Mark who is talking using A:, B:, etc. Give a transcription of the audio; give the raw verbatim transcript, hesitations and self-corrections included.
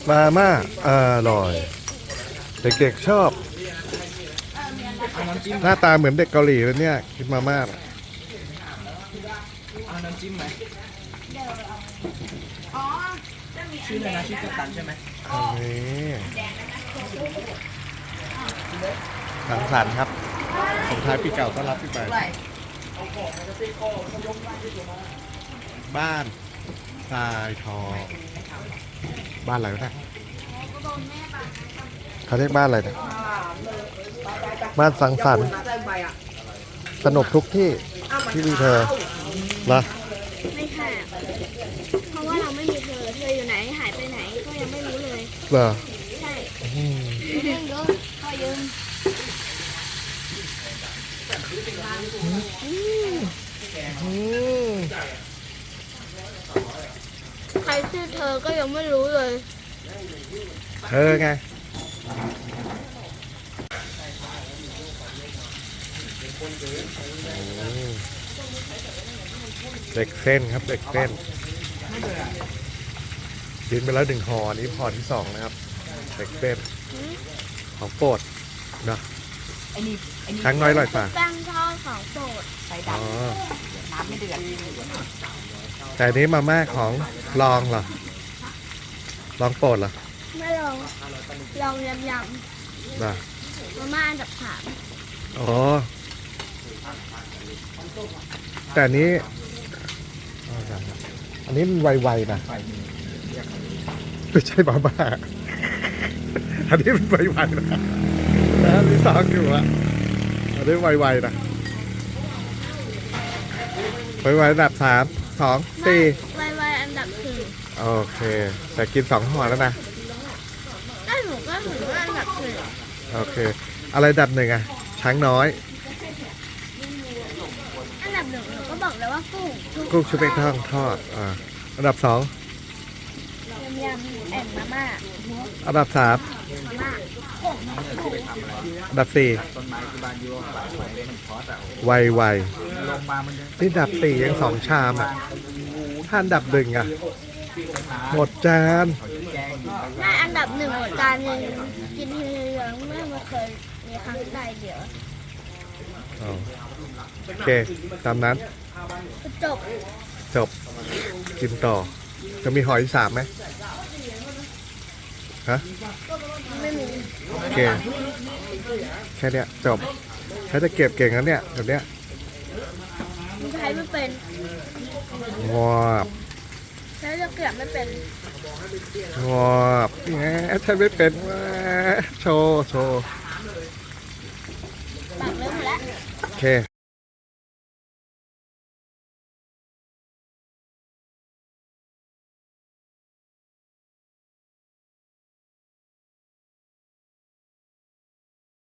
A: มาม่าอร่อย เด็กๆชอบ
B: เอาน้ำจิ้ม
A: หน้าตาเหมือนเด็กเกาหลีเลยเนี่ยกินมาม่า
B: เอาน้ำจิ้มไหมชื่ออะไรนะชื่อกัปตันใช่ไหม
A: นี่สังสรรค์ครับส่งท้ายปีเก่าต้อนรับปีใหม่บ้านทรายทองบ้านอะไรวะเนี่ยเขาเรียกบ้านอะไรเนี่ยบ้านสังสรรค์สนุกทุกที่ที่มีเธอเหรอ
C: ไม่ค่ะ เพราะว่าเราไม่มีเธอ เธออยู่ไหน หายไปไหน ก็ยังไม่รู้เลย
A: เหรอ
C: ใช่
A: อืม
C: เรื่องเยอะก็ยืม
A: อืม
C: ใครชื่อเธอก็ยังไม่รู้เลย
A: เธอไงเด็กเส้นครับเด็กเส้นกินไปแล้วหนึ่งห่อนี้ห่อที่สองนะครับเด็กเส้นของโปรดนะ
B: ไอ้นี่ไอ้นี่
A: ช้างน้อยอร่อยป่ะ
C: แป้งทอดของโปรด
B: ไฟ
A: อ๋
B: ดำ
A: อ
B: น้ำไม่เดือด
A: แต่อันนี้มาม่าของลองเหรอลองโปรดเหรอ
C: ไม่ลอง ลองยำย
A: นะ
C: ำมาม่าอันดับสาม
A: อ๋อแต่อันนี้อันนี้มันไวๆนะไม่ใช่มาม่าอันนี้มันไวๆนะแล้วมีสองอยู่อะอันนี้ไวๆนะไวๆอันดับสามสองสี่
C: ไวไวๆอันดับสี่
A: โอเค แต่กินสองห่อแล้วนะ
C: ก็หนูก็ถือว่าอันดับสี่
A: โอเค อะไรอันดับหนึ่งอะช้างน้อย
C: อันดับหนึ่งหนูก็บอกแล้วว่ากุ้ง
A: กุ้งชุบแป้งทอดทอดอ่าอันดับสอง
C: ยำยำแอนมาม่า
A: อันดับสาม
C: มาม่า
A: อันดับสี่
B: ต้นไม้ที่บ้านยูปากของเล่นพอสอ่ะ
A: ไวไว
B: ลงมามัน
A: ๆนี่อันดับสี่ยังสองชามอ่ะถ้าอันดับหนึ่งอ่ะหมดจาน
B: แกงอยู่
C: แม่อันดับหนึ่งหมดจานหนึ่งกินทีเดียวไม่มาเคยมีครั้งใดเดียว
A: อ๋อโอเคตามนั้น
C: จบ
A: จบ กินต่อ จะมีหอยสามไหมฮะ
C: ไม่มี
A: โอเค แค่เนี้ยจบแค่จะเก็บเก่งแล้วเนี่ยแบบเนี้ย
C: ใช้ไม่เป็น
A: งอบ
C: ใช้จะเก็บไม่เป็น
A: งอบแงใช่ไม่เป็นแหมโชว์โชว์
C: ปากเริ่มหมดแล้ว
A: โอเค